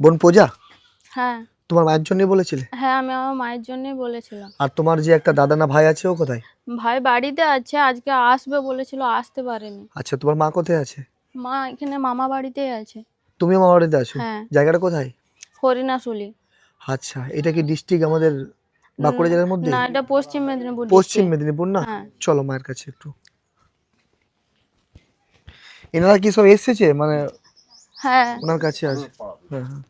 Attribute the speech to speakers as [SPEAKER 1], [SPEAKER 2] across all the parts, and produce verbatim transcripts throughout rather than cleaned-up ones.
[SPEAKER 1] বোন পূজা,
[SPEAKER 2] হ্যাঁ
[SPEAKER 1] তোমার মায়ের জন্যই বলেছিলে?
[SPEAKER 2] হ্যাঁ আমি আমার মায়ের জন্যই বলেছিলাম।
[SPEAKER 1] আর তোমার যে একটা দাদা না ভাই আছে, ও কোথায়?
[SPEAKER 2] ভাই বাড়িতে আছে, আজকে আসবে বলেছিল, আসতে পারেনি।
[SPEAKER 1] আচ্ছা, তোমার মা কোথায় আছে?
[SPEAKER 2] মা এখানে মামা বাড়িতেই আছে।
[SPEAKER 1] তুমিও মামা বাড়িতে আছো?
[SPEAKER 2] হ্যাঁ
[SPEAKER 1] জায়গাটা কোথায়?
[SPEAKER 2] হরিণাশুলি।
[SPEAKER 1] আচ্ছা, এটা কি ডিস্ট্রিক্ট আমাদের বাঁকুড়া জেলার মধ্যে?
[SPEAKER 2] না, এটা পশ্চিম মেদিনীপুর
[SPEAKER 1] পশ্চিম
[SPEAKER 2] ডিস্ট্রিক্ট।
[SPEAKER 1] মেদিনীপুর না?
[SPEAKER 2] হ্যাঁ
[SPEAKER 1] চলো মায়ের কাছে একটু। এনারা কি সব এসেছে মানে
[SPEAKER 2] হ্যাঁ
[SPEAKER 1] ওনার কাছে আছে? হ্যাঁ হ্যাঁ।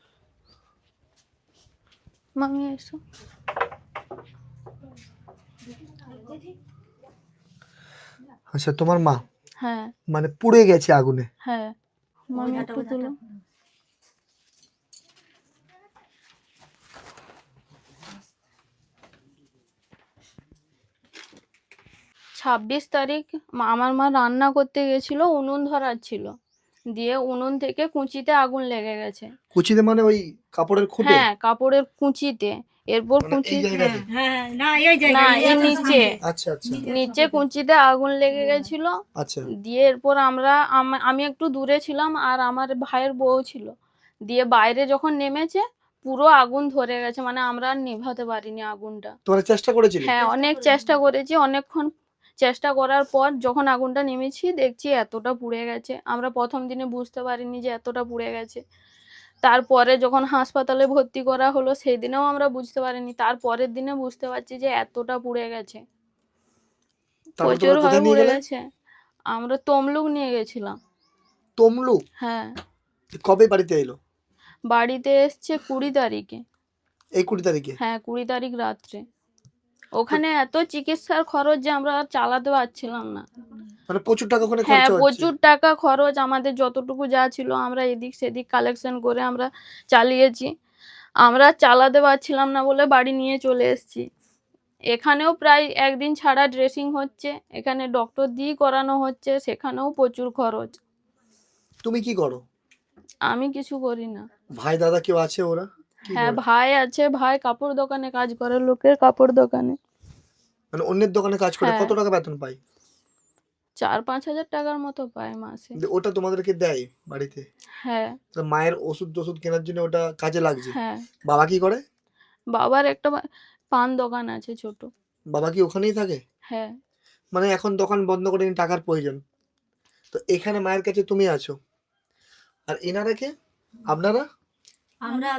[SPEAKER 2] মামি এসো।
[SPEAKER 1] আচ্ছা, তোমার মা
[SPEAKER 2] হ্যাঁ
[SPEAKER 1] মানে পুড়ে গেছে আগুনে?
[SPEAKER 2] হ্যাঁ মামি একটু তুলো। ছাব্বিশ তারিখ মা- আমার মা রান্না করতে গেছিল, উনুন ধরার ছিল, দিয়ে উনুন থেকে কুঁচিতে আগুন লেগে গেছে।
[SPEAKER 1] কুচিতে মানে ওই কাপড়ের খুঁটে?
[SPEAKER 2] হ্যাঁ কাপড়ের কুঁচিতে। এরপর
[SPEAKER 1] মানে
[SPEAKER 2] কুঁচি
[SPEAKER 1] এই জায়গাতে?
[SPEAKER 2] না এর নিচে,
[SPEAKER 1] আচ্ছা আচ্ছা
[SPEAKER 2] নিচে কুঁচিতে আগুন লেগে গেছিল।
[SPEAKER 1] আচ্ছা।
[SPEAKER 2] দিয়ে এরপর আমরা আম- আমি একটু দূরে ছিলাম আর আমার ভাইয়ের বউ ছিল। দিয়ে বাইরে যখন নেমেছে পুরো আগুন ধরে গেছে, মানে আমরা আর নেভাতে পারিনি আগুনটা।
[SPEAKER 1] তোমরা চেষ্টা করেছিলে?
[SPEAKER 2] হ্যাঁ অনেক চেষ্টা করেছি, অনেকক্ষণ চেষ্টা করার পর যখন আগুনটা নেমেছি দেখছি এতটা পুড়ে গেছে। আমরা প্রথম দিনে বুঝতে পারিনি যে এতটা পুড়ে গেছে। তারপরে যখন হাসপাতালে ভর্তি করা হলো সেই দিনেও আমরা বুঝতে পারিনি, তারপরের দিনে বুঝতে পারছি যে এতটা পুড়ে গেছে,
[SPEAKER 1] তারপর
[SPEAKER 2] প্রচুর
[SPEAKER 1] তোমরা
[SPEAKER 2] ভাবে
[SPEAKER 1] কোথায় নিয়ে
[SPEAKER 2] পুড়ে
[SPEAKER 1] গেলে?
[SPEAKER 2] গেছে। আমরা তমলুক নিয়ে গেছিলাম।
[SPEAKER 1] তমলুক?
[SPEAKER 2] হ্যাঁ
[SPEAKER 1] কবে বাড়িতে এলো?
[SPEAKER 2] বাড়িতে এসছে কুড়ি তারিখে।
[SPEAKER 1] এই কুড়ি তারিখে?
[SPEAKER 2] হ্যাঁ কুড়ি তারিখ রাত্রে।
[SPEAKER 1] তো
[SPEAKER 2] ওখানে এত চিকিৎসার খরচ যে আমরা আর চালাতে পারছিলাম না।
[SPEAKER 1] মানে প্রচুর টাকা ওখানে
[SPEAKER 2] হ্যাঁ
[SPEAKER 1] খরচা হচ্ছে?
[SPEAKER 2] প্রচুর টাকা খরচ, আমাদের যতটুকু যা ছিল আমরা এদিক সেদিক কালেকশন করে আমরা চালিয়েছি। আমরা চালাতে পারছিলাম না বলে বাড়ি নিয়ে চলে এসেছি। এখানেও প্রায় একদিন ছাড়া ড্রেসিং হচ্ছে, এখানে ডক্টর দিয়ে করানো হচ্ছে, সেখানেও প্রচুর খরচ।
[SPEAKER 1] তুমি কি করো?
[SPEAKER 2] আমি কিছু করি না।
[SPEAKER 1] ভাই দাদা কেউ আছে? ওরা কি
[SPEAKER 2] হ্যাঁ
[SPEAKER 1] করে?
[SPEAKER 2] ভাই আছে, ভাই কাপড় দোকানে কাজ করে, লোকের কাপড় দোকানে।
[SPEAKER 1] মানে অন্যের দোকানে কাজ করে
[SPEAKER 2] হ্যাঁ
[SPEAKER 1] কত টাকা বেতন পায়?
[SPEAKER 2] চার পাঁচ হাজার টাকার মতো পায় মাসে।
[SPEAKER 1] দিয়ে ওটা তোমাদেরকে দেয় বাড়িতে?
[SPEAKER 2] হ্যাঁ
[SPEAKER 1] তো মায়ের ওষুধ টষুধ কেনার জন্য ওটা কাজে লাগছে?
[SPEAKER 2] হ্যাঁ
[SPEAKER 1] বাবা কি করে?
[SPEAKER 2] বাবার একটা বা- পান দোকান আছে ছোট।
[SPEAKER 1] বাবা কি ওখানেই থাকে?
[SPEAKER 2] হ্যাঁ
[SPEAKER 1] মানে এখন দোকান বন্ধ করে নি, টাকার প্রয়োজন। তো এখানে মায়ের কাছে তুমি আছো, আর এনারা কে? আপনারা?
[SPEAKER 3] আমরা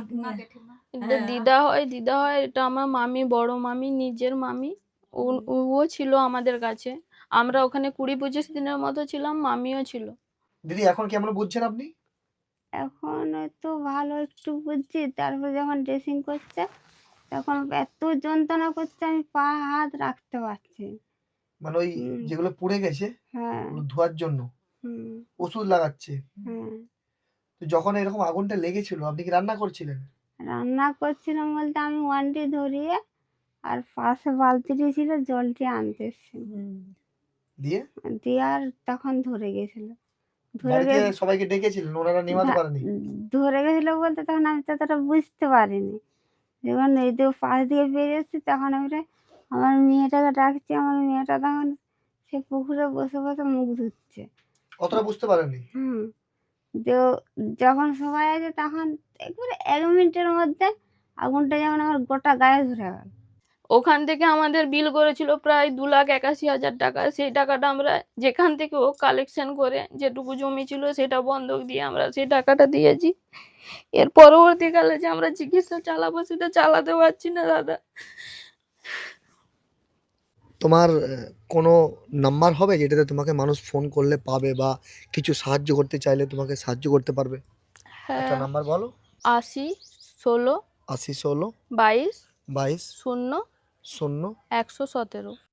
[SPEAKER 2] এটা দিদা হয়, দিদা হয়, এটা আমার মামি, বড় মামি, নিজের মামি। ও- ও ছিল আমাদের কাছে। আমরা ওখানে কুড়ি পঁচিশ দিনের মতো ছিলাম, মামিও ছিল।
[SPEAKER 1] দিদি এখন কেমন বুঝছেন আপনি?
[SPEAKER 3] এখন তো ভালো একটু বুঝছি, তারপর যখন ড্রেসিং করছে তখন এত যন্ত্রণা করছে আমি পা হাত রাখতে পারছি না।
[SPEAKER 1] মানে ওই
[SPEAKER 3] হুম,
[SPEAKER 1] যেগুলো পুড়ে গেছে
[SPEAKER 3] হ্যাঁ
[SPEAKER 1] ওগুলো ধোয়ার জন্য
[SPEAKER 3] হুম
[SPEAKER 1] ওষুধ লাগাচ্ছে।
[SPEAKER 3] হ্যাঁ।
[SPEAKER 1] তো যখন এরকম আগুনটা লেগেছিল আপনি কি রান্না করছিলেন?
[SPEAKER 3] রান্না করছিলাম বলতে আমি ওয়ানটি ধরিয়ে আর পাশে বালতিটি ছিল জলটি আনতে এসেছিলাম।
[SPEAKER 1] দিয়ে
[SPEAKER 3] দিয়ে আর তখন ধরে গেছিল, ধরে
[SPEAKER 1] বাড়িতে
[SPEAKER 3] গে
[SPEAKER 1] সবাইকে ডেকেছিলেন, ওনারা নেভাতে
[SPEAKER 3] ধা-
[SPEAKER 1] পারেনি?
[SPEAKER 3] ধরে গেছিল বলতে তখন আমি ততটা বুঝতে পারিনি। যখন এই তো পাশ দিয়ে বেরিয়েছি তখন আমরা আমার মেয়েটাকে ডাকছি, আমার মেয়েটা তখন সে পুকুরে বসে বসে মুখ ধুচ্ছে।
[SPEAKER 1] অতটা বুঝতে পারেনি?
[SPEAKER 3] হুম, তো যখন সবাই আছে তখন একবারে এক মিনিটের মধ্যে আগুনটা যেমন আমার গোটা গায়ে ধরে গেল।
[SPEAKER 2] ওখান থেকে আমাদের বিল করেছিল প্রায় দু লাখ একাশি হাজার টাকা। সেই টাকাটা আমরা যেখান থেকে ও কালেকশন করে যেটুকু জমি ছিল সেটা বন্ধক দিয়ে আমরা সেই টাকাটা দিয়েছি। এর পরবর্তীকালে যে আমরা চিকিৎসা চালাবো সেটা চালাতে পারছি না দাদা।
[SPEAKER 1] তোমার আহ, কোনো নাম্বার হবে যেটাতে তোমাকে মানুষ ফোন করলে পাবে, বা কিছু সাহায্য করতে চাইলে তোমাকে সাহায্য করতে পারবে? একটা
[SPEAKER 2] হ্যাঁ
[SPEAKER 1] নাম্বার বলো।
[SPEAKER 2] আশি ষোলো
[SPEAKER 1] আশি ষোলো
[SPEAKER 2] বাইশ
[SPEAKER 1] বাইশ
[SPEAKER 2] শূন্য
[SPEAKER 1] শূন্য
[SPEAKER 2] একশো সতেরো।